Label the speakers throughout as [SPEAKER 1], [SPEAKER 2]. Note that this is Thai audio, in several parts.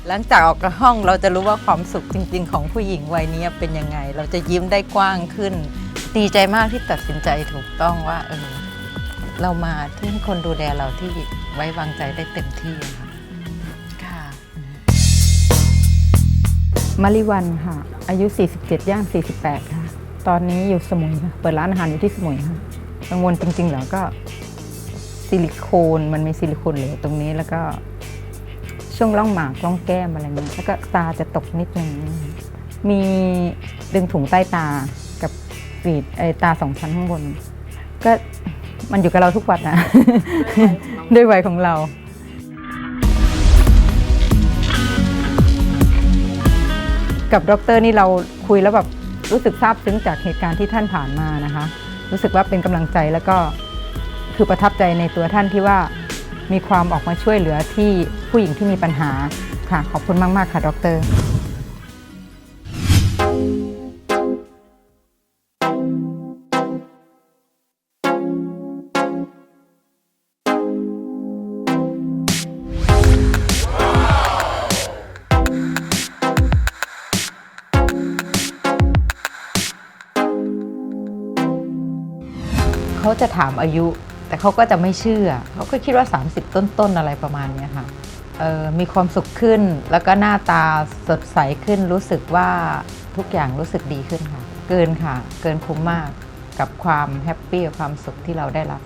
[SPEAKER 1] หลังจากออกจากห้องเราจะรู้ว่าความสุขจริงๆของผู้หญิงวัยนี้เป็นยังไงเราจะยิ้มได้กว้างขึ้นดีใจมากที่ตัดสินใจถูกต้องว่าเรามาที่ให้คนดูแลเราที่ไว้วางใจได้เต็มที่ค่ะ
[SPEAKER 2] ค่ะ
[SPEAKER 3] มาริวันค่ะอายุ 47 ย่าง 48 ค่ะตอนนี้อยู่สมุยค่ะเปิดร้านอาหารอยู่ที่สมุยค่ะกังวลจริงๆเหรอก็ซิลิโคนมันมีซิลิโคนเหลวตรงนี้แล้วก็ช่วงร่องหมากร่องแก้มอะไรเงี้ยแล้วก็ตาจะตกนิดนึงมีดึงถุงใต้ตากับกรีดตา2 ชั้นข้างบนก็มันอยู่กับเราทุกวันนะ ด้วยวัยของเรากับดร.นี่เราคุยแล้วแบบรู้สึกซาบซึ้งจากเหตุการณ์ที่ท่านผ่านมานะคะรู้สึกว่าเป็นกำลังใจแล้วก็คือประทับใจในตัวท่านที่ว่ามีความออกมาช่วยเหลือที่ผู้หญิงที่มีปัญหาค่ะขอบคุณมากๆค่ะดร.เขาจะถามอายุแต่เขาก็จะไม่เชื่อเขาก็คิดว่า30ต้นๆอะไรประมาณนี้ค่ะมีความสุขขึ้นแล้วก็หน้าตาสดใสขึ้นรู้สึกว่าทุกอย่างรู้สึกดีขึ้นค่ะเกินค่ะเกินคุ้มมากกับความแฮปปี้กับความสุขที่เราได้รับ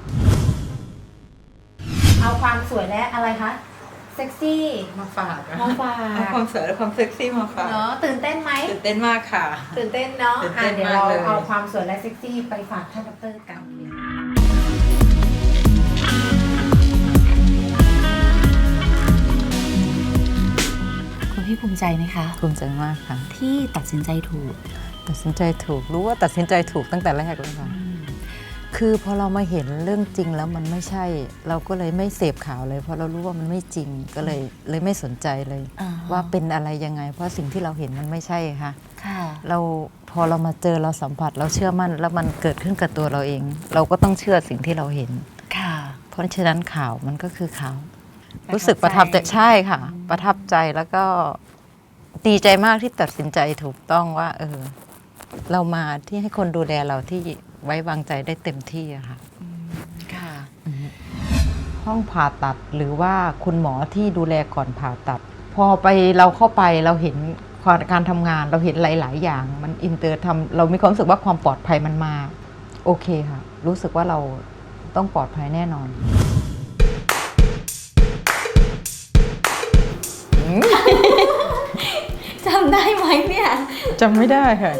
[SPEAKER 2] เอาความสวยและอะไรคะเซ็กซี่
[SPEAKER 1] มาฝาก
[SPEAKER 2] มาฝาก
[SPEAKER 1] เอาความสวยและความเซ็กซี่มาฝาก
[SPEAKER 2] เนาะตื่นเต้นไหม
[SPEAKER 1] ตื่นเต้นมากค่ะ
[SPEAKER 2] ตื่นเต้นเนาะ
[SPEAKER 1] ตื่นเต้น
[SPEAKER 2] เดี๋ยว
[SPEAKER 1] มาก
[SPEAKER 2] เรา
[SPEAKER 1] เลย
[SPEAKER 2] เอาความสวยและเซ็กซี่ไปฝากท่านดร.กันคุณพี่ภูมิใจไหมคะ
[SPEAKER 1] ภูมิใจมากค่ะ
[SPEAKER 2] ที่ตัดสินใจถูก
[SPEAKER 1] รู้ว่าตัดสินใจถูกตั้งแต่แรกเลยค่ะคือพอเรามาเห็นเรื่องจริงแล้วมันไม่ใช่เราก็เลยไม่เสพข่าวเลยเพราะเรารู้ว่ามันไม่จริงก็เลยไม่สนใจเลยว่าเป็นอะไรยังไงเพราะสิ่งที่เราเห็นมันไม่ใช่ค่ะพอเรามาเจอเราสัมผัสเราเชื่อมั่นแล้วมันเกิดขึ้นกับตัวเราเองเราก็ต้องเชื่อสิ่งที่เราเห็นเพราะฉะนั้นข่าวมันก็คือข่าวรู้สึกประทับใจใช่ค่ะประทับใจแล้วก็ดีใจมากที่ตัดสินใจถูกต้องว่าเรามาที่ให้คนดูแลเราที่ไว้วางใจได้เต็มที่อะค่ะห้องผ่าตัดหรือว่าคุณหมอที่ดูแลก่อนผ่าตัดพอเราเข้าไปเราเห็นการทำงานเราเห็นหลายๆอย่างมันอินเตอร์เรามีความรู้สึกว่าความปลอดภัยมันมาโอเคค่ะรู้สึกว่าเราต้องปลอดภัยแน่นอน
[SPEAKER 2] จำได้ไหมเนี่ย
[SPEAKER 1] จำไม่ได้ค่ะ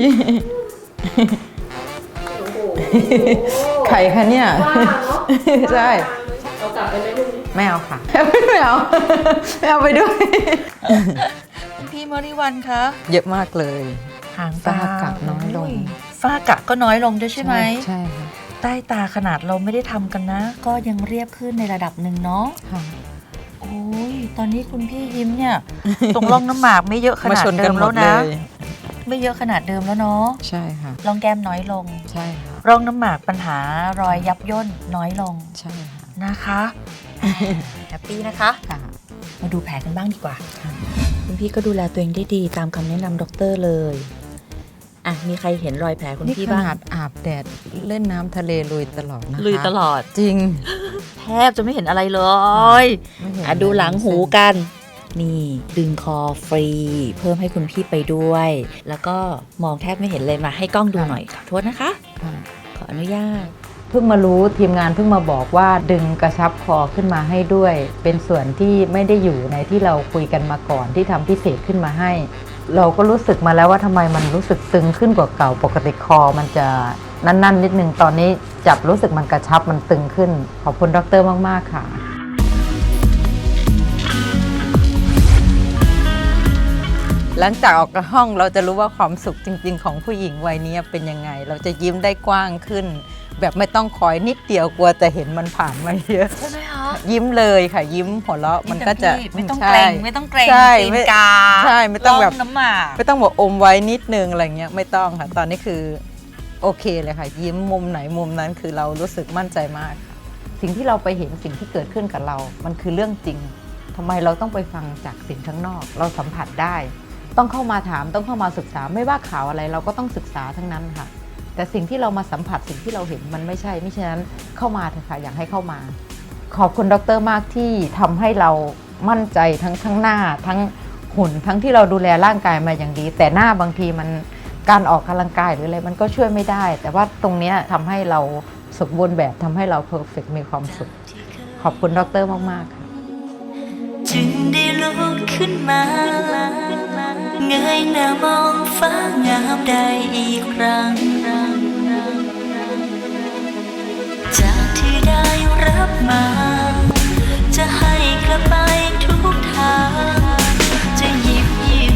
[SPEAKER 1] ไข่ค่ะเนี่ยใช่เอากลับไปไหมลูกไม่เอาค่ะไม่เอาไปด้วย
[SPEAKER 2] พี่มริวันคะ
[SPEAKER 1] เยอะมากเลย
[SPEAKER 2] หาง
[SPEAKER 1] ตา
[SPEAKER 2] ตา
[SPEAKER 1] กัดน้อยลง
[SPEAKER 2] ฝ้ากระก็น้อยลงด้วยใช่ไหม
[SPEAKER 1] ใช่ค่ะ
[SPEAKER 2] ใต้ตาขนาดเราไม่ได้ทำกันนะก็ยังเรียบขึ้นในระดับหนึ่งเนาะโอ้ยตอนนี้คุณพี่ยิ้มเนี่ยตรงร่องน้ำหมากไม่เยอะขนาดเดิมแล้วนะไม่เยอะขนาดเดิมแล้วเนาะ
[SPEAKER 1] ใช่ค่ะ
[SPEAKER 2] ร่องแก้มน้อยลง
[SPEAKER 1] ใช่ค่ะ
[SPEAKER 2] ร่องน้ำหมากปัญหารอยยับย่นน้อยลง
[SPEAKER 1] ใช่ค่ะ
[SPEAKER 2] นะคะแฮปปี้นะคะมาดูแผลกันบ้างดีกว่าคุณพี่ก็ดูแลตัวเองได้ดีตามคำแนะนำด็อกเตอร์เลยมีใครเห็นรอยแผลคุณพี่บ้าง
[SPEAKER 1] ขนาดอาบแดดเล่นน้ำทะเลลุยตลอดนะคะ
[SPEAKER 2] ลุยตลอด
[SPEAKER 1] จริง
[SPEAKER 2] แทบจะไม่เห็นอะไรเลยดูหลังหูกันนี่ดึงคอฟรีเพิ่มให้คุณพี่ไปด้วยแล้วก็มองแทบไม่เห็นเลยมาให้กล้องดูหน่อยขอโทษนะคะขออนุญาต
[SPEAKER 1] เพิ่งมารู้ทีมงานเพิ่งมาบอกว่าดึงกระชับคอขึ้นมาให้ด้วยเป็นส่วนที่ไม่ได้อยู่ในที่เราคุยกันมาก่อนที่ทำพิเศษขึ้นมาให้เราก็รู้สึกมาแล้วว่าทำไมมันรู้สึกตึงขึ้นกว่าเก่าปกติคอมันจะนั่นนิดนึงตอนนี้จับรู้สึกมันกระชับมันตึงขึ้นขอบคุณดร.มากๆค่ะหลังจากออกจากห้องเราจะรู้ว่าความสุขจริงๆของผู้หญิงวัยนี้เป็นยังไงเราจะยิ้มได้กว้างขึ้นแบบไม่ต้องคอยนิดเดียวกลัวจะเห็นมันผ่านมาเยอะ
[SPEAKER 2] ใช่ไหมคะ
[SPEAKER 1] ยิ้มเลยค่ะยิ้มหัวเราะมันก็จะ
[SPEAKER 2] ไม่ต้องเกรงตีนกา
[SPEAKER 1] ใช่ไม่ต้องแบบ
[SPEAKER 2] น้ำหมาก
[SPEAKER 1] ไม่ต้องบอกอมไว้นิดนึงอะไรเงี้ยไม่ต้องค่ะตอนนี้คือโอเคเลยค่ะยิ้มมุมไหนมุมนั้นคือเรารู้สึกมั่นใจมากค่ะสิ่งที่เราไปเห็นสิ่งที่เกิดขึ้นกับเรามันคือเรื่องจริงทำไมเราต้องไปฟังจากสิ่งข้างนอก เราสัมผัสได้ ต้องเข้ามาถามต้องเข้ามาศึกษาไม่ว่าข่าวอะไรเราก็ต้องศึกษาทั้งนั้นค่ะแต่สิ่งที่เรามาสัมผัสสิ่งที่เราเห็นมันไม่ใช่ฉะนั้นเข้ามาเถอะค่ะอยากให้เข้ามาขอบคุณดร.มากที่ทำให้เรามั่นใจทั้งข้างหน้าทั้งหุ่นทั้งที่เราดูแลร่างกายมาอย่างดี แต่หน้าบางทีมันการออกกำลังกายหรืออะไรมันก็ช่วยไม่ได้ แต่ว่าตรงนี้ทำให้เราสมบูรณ์แบบทำให้เราเพอร์เฟกต์มีความสุขขอบคุณดร.มากๆค่ะ
[SPEAKER 4] จึงได้ลุกขึ้นมาเงยหน้ามองฟ้างามได้อีกครั้ง